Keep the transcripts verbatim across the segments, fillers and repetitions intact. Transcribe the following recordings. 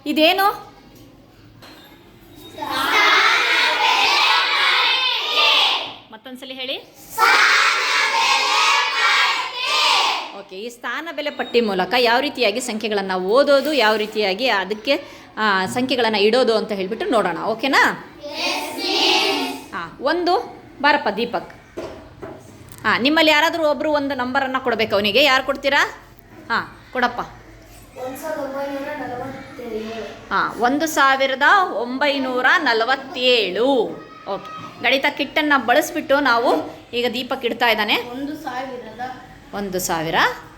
ಇದೇನು? ಮತ್ತೊಂದ್ಸಲಿ ಹೇಳಿ. ಓಕೆ, ಈ ಸ್ಥಾನ ಬೆಲೆ ಪಟ್ಟಿ ಮೂಲಕ ಯಾವ ರೀತಿಯಾಗಿ ಸಂಖ್ಯೆಗಳನ್ನು ಓದೋದು, ಯಾವ ರೀತಿಯಾಗಿ ಅದಕ್ಕೆ ಸಂಖ್ಯೆಗಳನ್ನು ಇಡೋದು ಅಂತ ಹೇಳಿಬಿಟ್ಟು ನೋಡೋಣ. ಓಕೆನಾ? ಹಾಂ, ಒಂದು ಬಾರಪ್ಪ ದೀಪಕ್. ಹಾಂ, ನಿಮ್ಮಲ್ಲಿ ಯಾರಾದರೂ ಒಬ್ಬರು ಒಂದು ನಂಬರನ್ನು ಕೊಡಬೇಕು ಅವನಿಗೆ. ಯಾರು ಕೊಡ್ತೀರಾ? ಹಾಂ, ಕೊಡಪ್ಪ. ಹಾಂ, ಒಂದು ಸಾವಿರದ ಒಂಬೈನೂರ ನಲವತ್ತೇಳು. ಓಕೆ, ಗಣಿತ ಕಿಟ್ಟನ್ನು ಬಳಸಿಬಿಟ್ಟು ನಾವು ಈಗ ದೀಪಕ್ ಇಡ್ತಾ ಇದ್ದಾನೆ. ಒಂದು ಸಾವಿರದ ಒಂದು ಸಾವಿರ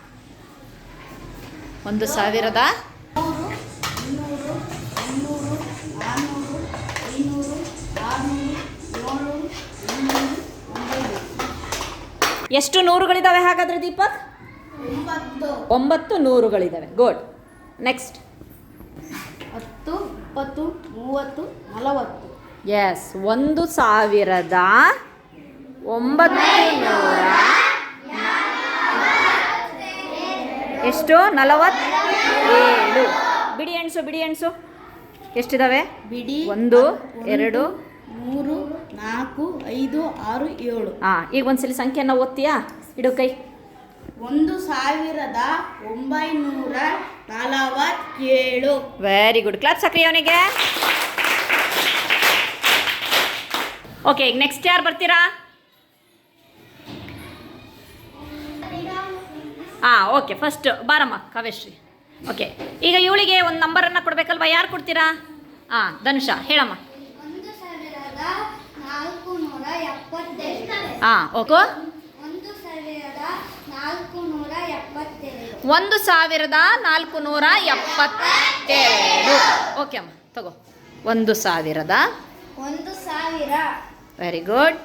ಒಂದು ಸಾವಿರದ ನೂರು, ಇನ್ನೂರು, ಮುನ್ನೂರು, ನಾನ್ನೂರು, ಐನೂರು, ಆರುನೂರು, ಏಳ್ನೂರು, ಎಂಟುನೂರು, ಒಂಬೈನೂರು. ಎಷ್ಟು ನೂರುಗಳಿದ್ದಾವೆ ಹಾಗಾದರೆ ದೀಪಕ್? ಒಂಬತ್ತು. ಒಂಬತ್ತು ನೂರುಗಳಿದ್ದಾವೆ. ಗುಡ್. ನೆಕ್ಸ್ಟ್. ಹತ್ತು, ಇಪ್ಪತ್ತು, ಮೂವತ್ತು, ನಲವತ್ತು. ಎಸ್, ಒಂದು ಸಾವಿರದ ಒಂಬತ್ತು ನೂರ ಎಷ್ಟು? ನಲವತ್ತೇಳು. ಬಿಡಿ ಎಣ್ಸು, ಬಿಡಿ ಎಣ್ಸು. ಎಷ್ಟಿದಾವೆ? ಬಿಡಿ. ಒಂದು, ಎರಡು, ಮೂರು, ನಾಲ್ಕು, ಐದು, ಆರು, ಏಳು. ಹಾಂ, ಈಗ ಒಂದ್ಸಲಿ ಸಂಖ್ಯೆಯನ್ನು ಓದ್ತೀಯಾ? ಇಡು ಕೈ. ಒಂದು ಸಾವಿರದ ಒಂಬೈನೂರ ನಲವತ್ತೇಳು. Very good. ಕ್ಲಾಪ್ ಸಕ್ರಿ ಅವನಿಗೆ. ಓಕೆ, ಈಗ ನೆಕ್ಸ್ಟ್ ಯಾರು ಬರ್ತೀರಾ? ಹಾಂ, ಓಕೆ, ಫಸ್ಟ್ ಬಾರಮ್ಮ ಕಾವ್ಯಶ್ರೀ. ಓಕೆ, ಈಗ ಇವಳಿಗೆ ಒಂದು ನಂಬರನ್ನು ಕೊಡಬೇಕಲ್ವಾ? ಯಾರು ಕೊಡ್ತೀರಾ? ಹಾಂ, ಧನುಷ ಹೇಳಮ್ಮ. ಒಂದು ಸಾವಿರದ ನಾಲ್ಕು ನೂರ ಎಪ್ಪತ್ತೆರಡು. ಹಾಂ, ಓಕೆ. ಒಂದು ಸಾವಿರದ ನಾಲ್ಕು ನೂರ ಎಪ್ಪತ್ತೆರಡು. ಒಂದು ಸಾವಿರದ ನಾಲ್ಕು ನೂರ ಎಪ್ಪತ್ತೆರಡು. ಓಕೆ ಅಮ್ಮ, ತಗೋ. ಒಂದು ಸಾವಿರದ ಒಂದು ಸಾವಿರ. Very good.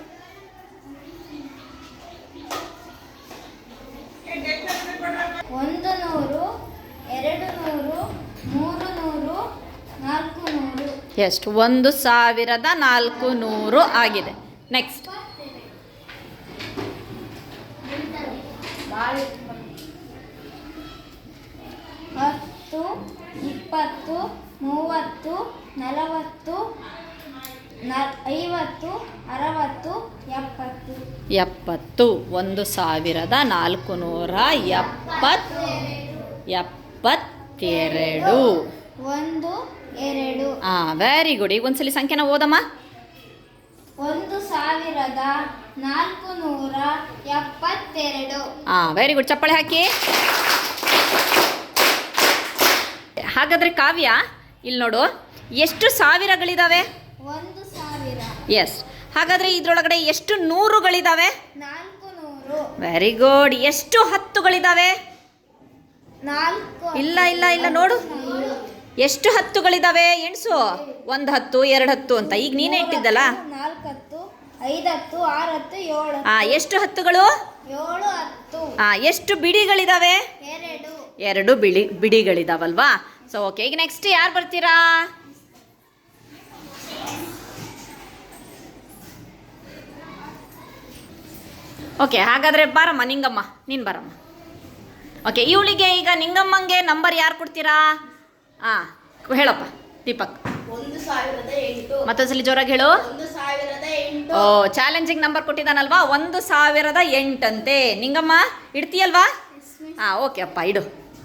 ಒಂದು ನೂರು, ಎರಡು ನೂರು, ಮೂರು ನೂರು, ನಾಲ್ಕು ನೂರು. ಎಷ್ಟು? ಒಂದು ಸಾವಿರದ ನಾಲ್ಕು ನೂರು ಆಗಿದೆ. ನೆಕ್ಸ್ಟ್. ಹತ್ತು, ಇಪ್ಪತ್ತು, ಮೂವತ್ತು, ನಲವತ್ತು, ಐವತ್ತು, ಅರವತ್ತು, ಎಪ್ಪತ್ತು. ಎಪ್ಪತ್ತು. ಒಂದು ಸಾವಿರದ ನಾಲ್ಕು ನೂರ ಎಪ್ಪತ್ ಎಪ್ಪತ್ತೆರಡು. ಒಂದು, ಎರಡು. ಹಾಂ, ವೆರಿ ಗುಡ್. ಈಗ ಒಂದ್ಸಲಿ ಸಂಖ್ಯೆನ ಓದಮ್ಮ. ಒಂದು ಸಾವಿರದ ನಾಲ್ಕು ನೂರ ಎಪ್ಪತ್ತೆರಡು. ಹಾಂ, ವೆರಿ ಗುಡ್. ಚಪ್ಪಾಳೆ ಹಾಕಿ. ಹಾಗಾದರೆ ಕಾವ್ಯ, ಇಲ್ಲಿ ನೋಡು, ಎಷ್ಟು ಸಾವಿರಗಳಿದ್ದಾವೆ? ಒಂದು ಸಾವಿರ. ಎಸ್. ಹಾಗಾದರೆ ಇದರೊಳಗಡೆ ಎಷ್ಟು ನೂರುಗಳಿದ್ದಾವೆ? ನಾಲ್ಕು ನೂರು. Very good. ಎಷ್ಟು ಹತ್ತುಗಳಿದ್ದಾವೆ? ನಾಲ್ಕು. ಇಲ್ಲ ಇಲ್ಲ ಇಲ್ಲ, ನೋಡು, ಎಷ್ಟು ಹತ್ತುಗಳಿದ್ದಾವೆ ಎಣ್ಸು. ಒಂದು ಹತ್ತು, ಎರಡು ಹತ್ತು ಅಂತ ಈಗ ನೀನೇ ಇಟ್ಟಿದ್ದಲ್ಲ. ನಾಲ್ಕು ಹತ್ತು, ಐದು ಹತ್ತು, ಆರು ಹತ್ತು, ಏಳು. ಹಾಂ, ಎಷ್ಟು ಹತ್ತುಗಳು? ಏಳು ಹತ್ತು. ಹಾಂ, ಎಷ್ಟು ಬಿಡಿಗಳಿದ್ದಾವೆ? ಎರಡು. ಎರಡು ಬಿಳಿ ಬಿಡಿಗಳಿದಾವಲ್ವಾ? ಸೊ ಓಕೆ, ಈಗ ನೆಕ್ಸ್ಟ್ ಯಾರು ಬರ್ತೀರಾ? ಓಕೆ, ಹಾಗಾದರೆ ಬಾರಮ್ಮ ನಿಂಗಮ್ಮ, ನೀನು ಬರಮ್ಮ. ಓಕೆ, ಇವಳಿಗೆ ಈಗ ನಿಂಗಮ್ಮಂಗೆ ನಂಬರ್ ಯಾರು ಕೊಡ್ತೀರಾ? ಹಾಂ, ಹೇಳಪ್ಪ ದೀಪಕ್. ಒಂದು ಸಾವಿರದ ಎಂಟು. ಮತ್ತೊಂದ್ಸಲಿ ಜೋರಾಗಿ ಹೇಳು. ಒಂದು ಸಾವಿರದ ಎಂಟು. ಓ, ಚಾಲೆಂಜಿಂಗ್ ನಂಬರ್ ಕೊಟ್ಟಿದ್ದಾನಲ್ವಾ? ಒಂದು ಸಾವಿರದ ಎಂಟಂತೆ. ನಿಂಗಮ್ಮ ಇಡ್ತೀಯಲ್ವಾ? ಹಾಂ, ಓಕೆ ಅಪ್ಪ, ಇಡು.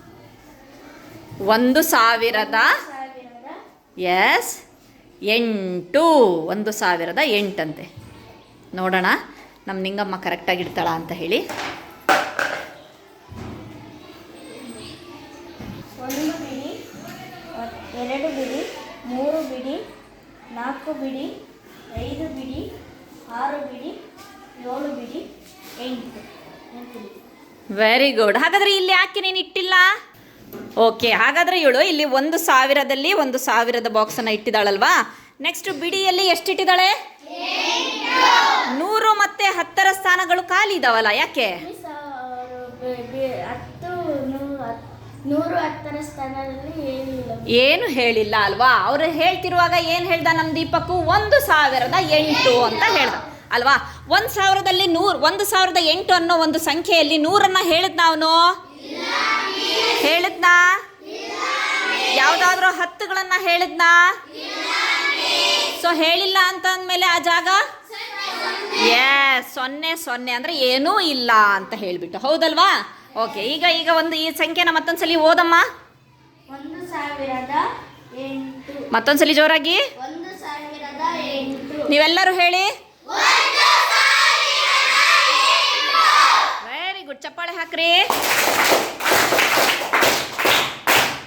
ಒಂದು ಸಾವಿರದ ಎಸ್ ಎಂಟು. ಒಂದು ಸಾವಿರದ ಎಂಟಂತೆ. ನೋಡೋಣ ನಮ್ಮ ನಿಂಗಮ್ಮ ಕರೆಕ್ಟಾಗಿ ಇಡ್ತಾಳ ಅಂತ ಹೇಳಿ. ಒಂದು ಬಿಡಿ, ಎರಡು ಬಿಡಿ, ಮೂರು ಬಿಡಿ, ನಾಲ್ಕು ಬಿಡಿ, ಐದು ಬಿಡಿ, ಆರು ಬಿಡಿ, ಏಳು ಬಿಡಿ, ಎಂಟು. ಎಂಟು ಬಿಡಿ. Very good. ಹಾಗಾದರೆ ಇಲ್ಲಿ ಯಾಕೆ ನೀನು ಇಟ್ಟಿಲ್ಲ? ಓಕೆ, ಹಾಗಾದರೆ ಇವಳು ಇಲ್ಲಿ ಒಂದು ಸಾವಿರದಲ್ಲಿ ಒಂದು ಸಾವಿರದ ಬಾಕ್ಸನ್ನು ಇಟ್ಟಿದ್ದಾಳಲ್ವಾ? ನೆಕ್ಸ್ಟ್ ಬಿಡಿಯಲ್ಲಿ ಎಷ್ಟಿಟ್ಟಿದ್ದಾಳೆ? ನೂರು ಮತ್ತು ಹತ್ತರ ಸ್ಥಾನಗಳು ಖಾಲಿ ಇದ್ದಾವಲ್ಲ, ಯಾಕೆ? ಹತ್ತು ನೂರು ಹತ್ತರ ಸ್ಥಾನದಲ್ಲಿ ಏನಿಲ್ಲ, ಏನು ಹೇಳಿಲ್ಲ ಅಲ್ವಾ? ಅವರು ಹೇಳ್ತಿರುವಾಗ ಏನು ಹೇಳ್ದ ನಮ್ಮ ದೀಪಕ್ಕು? ಒಂದು ಸಾವಿರದ ಎಂಟು ಅಂತ ಹೇಳ್ದ ಅಲ್ವಾ? ಒಂದು ಸಾವಿರದಲ್ಲಿ ನೂರು ಒಂದು ಸಾವಿರದ ಎಂಟು ಅನ್ನೋ ಒಂದು ಸಂಖ್ಯೆಯಲ್ಲಿ ನೂರನ್ನು ಹೇಳಿದ್ನ ಅವನು? ಹೇಳಿದ್ನಾ? ಯಾವ್ದಾದ್ರು ಹತ್ತುಗಳನ್ನ ಹೇಳಿದ್ನಾ? ಸೊ ಹೇಳಿಲ್ಲ ಅಂತ ಅಂದ್ಮೇಲೆ ಆ ಜಾಗ ಎಸ್ ಸೊನ್ನೆ ಸೊನ್ನೆ ಅಂದ್ರೆ ಏನೂ ಇಲ್ಲ ಅಂತ ಹೇಳ್ಬಿಟ್ಟು, ಹೌದಲ್ವಾ? ಓಕೆ, ಈಗ ಈಗ ಒಂದು ಈ ಸಂಖ್ಯೆನ ಮತ್ತೊಂದ್ಸಲಿ ಓದಮ್ಮ. ಒಂದು ಸಾವಿರದ ಎಂಟು. ಮತ್ತೊಂದ್ಸಲಿ ಜೋರಾಗಿ ಒಂದು ಸಾವಿರದ ಎಂಟು. ನೀವೆಲ್ಲರೂ ಹೇಳಿ. ವೆರಿ ಗುಡ್, ಚಪ್ಪಾಳೆ ಹಾಕ್ರಿ.